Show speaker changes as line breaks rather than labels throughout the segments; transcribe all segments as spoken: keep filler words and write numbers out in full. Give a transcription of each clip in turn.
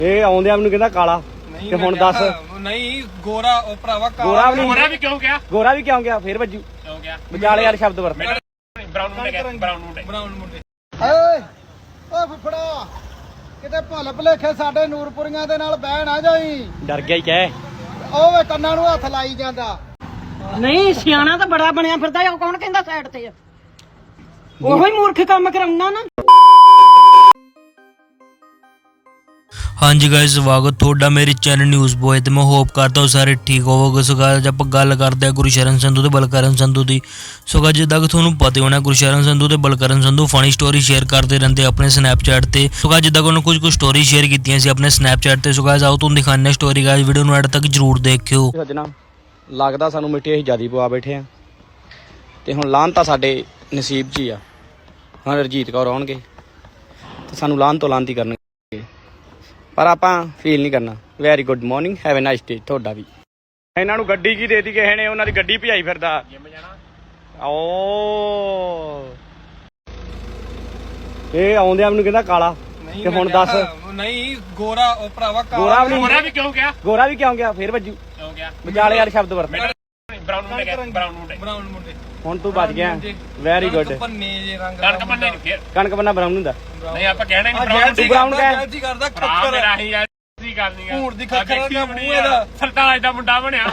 ਇਹ ਆਉਂਦਿਆਂ ਮੈਨੂੰ ਕਹਿੰਦਾ ਕਾਲਾ ਤੇ ਹੁਣ ਦੱਸ
ਨਹੀਂ ਗੋਰਾ ਉਹ ਭਰਾਵਾ
ਗੋਰਾ ਵੀ
ਗੋਰਾ ਵੀ ਕਿਉਂ ਗਿਆ
ਗੋਰਾ ਵੀ ਕਿਉਂ ਗਿਆ ਫੇਰ ਵੱਜੂ
ਕਿਉਂ ਗਿਆ
ਵਿਚਾਲੇ ਯਾਰ ਸ਼ਬਦ ਵਰਤ
ਬਰਾਊਨ ਮੁੰਡੇ ਗਿਆ ਬਰਾਊਨ ਮੁੰਡੇ
ਬਰਾਊਨ ਮੁੰਡੇ
ਓਏ ਓ ਫੁੱਫੜਾ ਕਿਤੇ ਭੁੱਲ ਭੁਲੇਖੇ ਸਾਡੇ ਨੂਰਪੁਰੀਆਂ ਦੇ ਨਾਲ ਬਹਿ ਨਾ ਜਾਈ।
ਡਰ ਗਿਆ ਹੀ ਕਹਿ
ਉਹ ਵੇ ਕੰਨਾਂ ਨੂੰ ਹੱਥ ਲਾਈ ਜਾਂਦਾ।
ਨਹੀਂ ਸਿਆਣਾ ਤਾਂ ਬੜਾ ਬਣਿਆ ਫਿਰਦਾ ਉਹ ਕੌਣ ਕਹਿੰਦਾ ਸਾਈਡ ਤੇ ਆ ਉਹੋ ਹੀ ਮੂਰਖ ਕੰਮ ਕਰਾਉਣਾ ਨਾ।
ਹਾਂਜੀ गाइस स्वागत ਤੁਹਾਡਾ ਮੇਰੇ ਚੈਨਲ ਨਿਊਜ਼ ਬੋਏ ਤੇ ਮੈਂ ਹੋਪ ਕਰਦਾ ਹਾਂ ਸਾਰੇ ਠੀਕ ਹੋਵੋਗੇ। ਸੋ गाइस ਆਪਾਂ ਗੱਲ ਕਰਦੇ ਹਾਂ ਗੁਰਸ਼ਰਨ ਸੰਧੂ ਤੇ ਬਲਕਰਨ ਸੰਧੂ ਦੀ। ਸੋ गाइस ਜਿੱਦਾਂ ਕਿ ਤੁਹਾਨੂੰ ਪਤਾ ਹੋਣਾ ਗੁਰਸ਼ਰਨ ਸੰਧੂ ਤੇ Balkaran Sandhu funny story share ਕਰਦੇ ਰਹਿੰਦੇ ਆਪਣੇ ਸਨੈਪਚੈਟ ਤੇ। ਸੋ गाइस ਜਿੱਦਾਂ ਕਿ ਉਹਨਾਂ ਕੁਝ ਕੁ ਸਟੋਰੀ ਸ਼ੇਅਰ ਕੀਤੀਆਂ ਸੀ ਆਪਣੇ ਸਨੈਪਚੈਟ ਤੇ। ਸੋ गाइस ਆਓ ਤੁਹਾਨੂੰ ਦਿਖਾਉਂਦੇ ਸਟੋਰੀ। गाइस ਵੀਡੀਓ ਨੂੰ ਐਡ ਤੱਕ ਜਰੂਰ ਦੇਖਿਓ।
ਸੱਜਣਾ ਲੱਗਦਾ ਸਾਨੂੰ ਮਿੱਟੀ ਅਸੀਂ ਜਿਆਦੀ ਪਵਾ ਬੈਠੇ ਆ ਤੇ ਹੁਣ ਲਾਹਨ ਤਾਂ ਸਾਡੇ ਨਸੀਬ 'ਚ ਹੀ ਆ। ਹੁਣ ਰਜੀਤ ਕੌਰ ਆਉਣਗੇ ਤੇ ਸਾਨੂੰ ਲਾਹਨ ਤੋਂ ਲਾਹਨਤੀ ਕਰਨਗੇ ਪਰ ਆਪਾਂ ਫੀਲ ਨਹੀਂ ਕਰਨਾ। Very good morning have a nice day. ਤੁਹਾਡਾ ਵੀ। ਇਹਨਾਂ ਨੂੰ ਗੱਡੀ ਕੀ ਦੇਤੀ ਕਿਸੇ ਨੇ ਉਹਨਾਂ ਦੀ ਗੱਡੀ ਭਜਾਈ ਫਿਰਦਾ। ਓ ਇਹ ਆਉਂਦਿਆਂ ਮੈਨੂੰ ਕਹਿੰਦਾ ਕਾਲਾ ਤੇ ਹੁਣ ਦੱਸ
ਨਹੀਂ ਗੋਰਾ ਉਹ ਭਰਾਵਾ
ਗੋਰਾ ਵੀ
ਗੋਰਾ ਵੀ ਕਿਉਂ ਗਿਆ
ਗੋਰਾ ਵੀ ਕਿਉਂ ਗਿਆ ਫੇਰ ਵੱਜੂ
ਕਿਉਂ ਗਿਆ
ਵਿਚਾਲੇ ਯਾਰ ਸ਼ਬਦ ਵਰਤ
ਬਰਾਊਨ ਮੁੰਡੇ ਗਿਆ ਬਰਾਊਨ ਮੁੰਡੇ
ਬਰਾਊਨ ਮੁੰਡੇ
ਹੁਣ ਤੂੰ ਬਚ ਗਿਆ। Very good.
ਪੰਨੇ ਜੇ ਰੰਗ
ਕਣਕ ਬੰਨੇ ਨਹੀਂ ਫੇਰ
ਕਣਕ ਬੰਨਾ ਬਰਾਊਨ ਹੁੰਦਾ
ਨਹੀਂ ਆਪਾਂ ਕਹਿਣਾ ਨਹੀਂ
ਬਰਾਊਨ
ਤੂੰ ਬਰਾਊਨ ਕਹਿ।
ਜੀ ਕਰਦਾ
ਭਰਾ
ਖੱਕਰ
ਮੇਰਾ ਹੀ ਯਾਰ ਕੀ ਗੱਲ ਨਹੀਂ
ਭੂਰ ਦੀ ਖੱਖਰ ਦਾ ਮੂੰਹ ਇਹਦਾ
ਸਰਤਾਜ ਦਾ ਮੁੰਡਾ ਬਣਿਆ।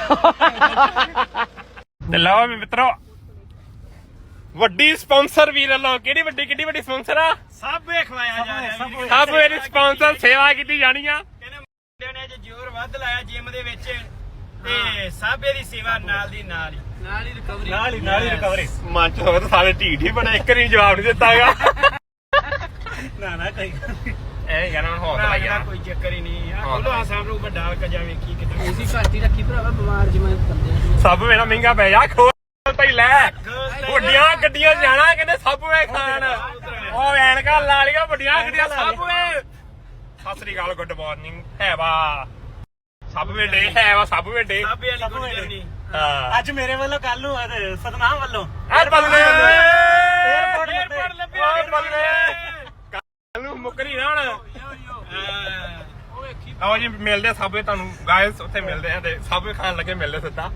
ਤੇ ਲਓ ਵੀ ਮਿੱਤਰੋ ਵੱਡੀ ਸਪਾਂਸਰ ਵੀਰ ਵੱਲੋਂ ਕਿਹੜੀ ਵੱਡੀ ਕਿੱਡੀ ਵੱਡੀ ਸਪਾਂਸਰ ਆ
ਸਭ ਖਵਾਇਆ ਜਾ ਰਿਹਾ
ਸਭ ਮੇਰੀ ਸਪਾਂਸਰ ਸੇਵਾ ਕੀਤੀ ਜਾਣੀ ਆ।
ਕਹਿੰਦੇ ਮੁੰਡਿਆਂ ਨੇ ਅੱਜ ਜ਼ੋਰ ਵੱਧ ਲਾਇਆ ਜਿਮ ਦੇ ਵਿੱਚ ਤੇ ਸਭ ਇਹਦੀ ਸੇਵਾ ਨਾਲ ਦੀ ਨਾਲ ਹੀ ਨਾਲ ਹੀ ਰਿਕਵਰੀ
ਨਾਲ ਹੀ ਨਾਲ ਹੀ ਰਿਕਵਰੀ ਮਨ ਚ ਹੋਵੇ ਤਾਂ ਸਾਰੇ ਢੀਠ ਹੀ ਬਣੇ ਇੱਕ ਨਹੀਂ ਜਵਾਬ ਨਹੀਂ ਦਿੱਤਾਗਾ।
ਨਾ ਨਾ ਕੋਈ
ਇਹ ਕਹਿਣਾ ਹੁਣ ਹੌਸਲਾ ਹੀ ਆ।
ਕੋਈ ਚੱਕਰ ਹੀ ਨਹੀਂ ਆ ਬੋਲੋ ਆ ਸਾਹਮਣੇ ਨੂੰ ਵੱਡਾ ਕਜਾ ਵੇਖੀ ਕਿਤੇ
ਇਸੀ ਘੱਟ ਹੀ ਰੱਖੀ ਭਰਾਵਾ ਬਿਮਾਰ ਜਿਵੇਂ ਬੰਦੇ
ਸਭ ਮੇਰਾ ਮਹਿੰਗਾ ਪੈ ਜਾ ਖੋਲ ਭਾਈ ਲੈ ਵੱਡੀਆਂ ਗੱਡੀਆਂ ਜਾਣਾ ਕਹਿੰਦੇ ਸਭ ਵੇ ਖਾਣ ਉਹ ਐਨਕਾਂ ਲਾ ਲਿਆ ਵੱਡੀਆਂ ਗੱਡੀਆਂ ਸਭ ਵੇ। ਸਤਿ ਸ੍ਰੀ ਅਕਾਲ ਗੁੱਡ ਮਾਰਨਿੰਗ ਹੈ ਵਾ ਸਭ ਵੇ ਡੇ ਹੈ ਵਾ ਸਭ ਵੇ ਡੇ
ਸਭ ਵਾਲੀ ਗੁੱਡ ਜਰਨੀ
ਹਾਂ
ਅੱਜ ਮੇਰੇ ਵੱਲੋਂ ਕੱਲ ਨੂੰ ਸਤਨਾਮ ਵੱਲੋਂ
ਐ ਬੱਲੇ
에어ਪੋਰਟ
에어ਪੋਰਟ
ਲੱਭਿਆ
ਕੱਲ ਨੂੰ ਮੁੱਕਰੀ ਨਾ ਹੁਣ ਆਓ ਜੀ ਮਿਲਦੇ ਸਭ ਵੇ ਤੁਹਾਨੂੰ ਗਾਇਸ ਉੱਥੇ ਮਿਲਦੇ ਆ ਤੇ ਸਭ ਵੇ ਖਾਣ ਲੱਗੇ ਮਿਲਦੇ ਸਿੱਧਾ।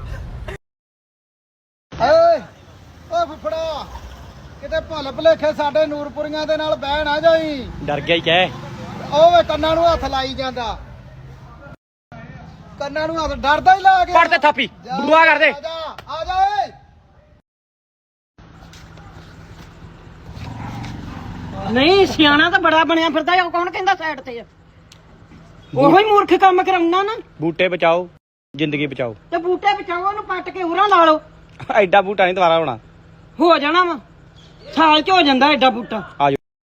ਓਏ ਓ ਫੁੱਫੜਾ ਕਿਤੇ ਭੁੱਲ ਭੁਲੇਖੇ ਸਾਡੇ ਨੂਰਪੁਰੀਆਂ ਦੇ ਨਾਲ ਬਹਿ ਨਾ ਜਾਈ।
ਡਰ ਗਿਆ ਹੀ ਕਹਿ
ਉਹ ਵੇ ਕੰਨਾਂ ਨੂੰ ਹੱਥ ਲਾਈ ਜਾਂਦਾ। ਕੰਨਾਂ ਨੂੰ ਹੱਥ ਡਰਦਾ ਹੀ ਲਾ ਗਿਆ।
ਪੜ ਤੇ ਥਾਪੀ ਬੁਆ ਕਰ ਦੇ।
ਆ ਜਾ ਆ ਜਾ ਓਏ
ਨਹੀਂ ਸਿਆਣਾ ਤਾਂ ਬੜਾ ਬਣਿਆ ਫਿਰਦਾ ਉਹ ਕੌਣ ਕਹਿੰਦਾ ਸਾਈਡ ਤੇ ਆ ਉਹੋ ਹੀ ਮੂਰਖ ਕੰਮ ਕਰਾਉਣਾ ਨਾ।
ਬੂਟੇ ਬਚਾਓ ਜ਼ਿੰਦਗੀ ਬਚਾਓ।
ਤੇ ਬੂਟੇ ਬਚਾਓ ਉਹਨੂੰ ਪੱਟ ਕੇ ਉਰਾਂ ਲਾ ਲਓ
ਐਡਾ ਬੂਟਾ ਨਹੀਂ ਦੁਬਾਰਾ ਹੋਣਾ।
ਹੋ ਜਾਣਾ ਵਾ ਸਾਲ ਚ ਹੋ ਜਾਂਦਾ ਐਡਾ ਬੂਟਾ।
ਆ ਜਾਓ।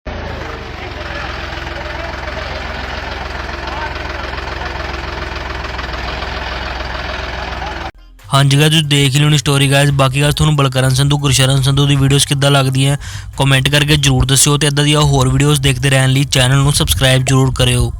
ਹਾਂਜੀ गाइस ਤੁਸੀਂ ਦੇਖ ਲਿਓ ਨੀ ਸਟੋਰੀ गाइस। ਬਾਕੀ ਗੱਲ ਤੁਹਾਨੂੰ ਬਲਕਰਨ ਸੰਧੂ ਗੁਰਸ਼ਰਨ ਸੰਧੂ ਦੀ ਵੀਡੀਓਜ਼ ਕਿੱਦਾਂ ਲੱਗਦੀਆਂ ਕਮੈਂਟ ਕਰਕੇ ਜਰੂਰ ਦੱਸਿਓ ਤੇ ਇਦਾਂ ਦੀਆਂ ਹੋਰ ਵੀਡੀਓਜ਼ ਦੇਖਦੇ ਰਹਿਣ ਲਈ ਚੈਨਲ ਨੂੰ ਸਬਸਕ੍ਰਾਈਬ ਜਰੂਰ ਕਰਿਓ।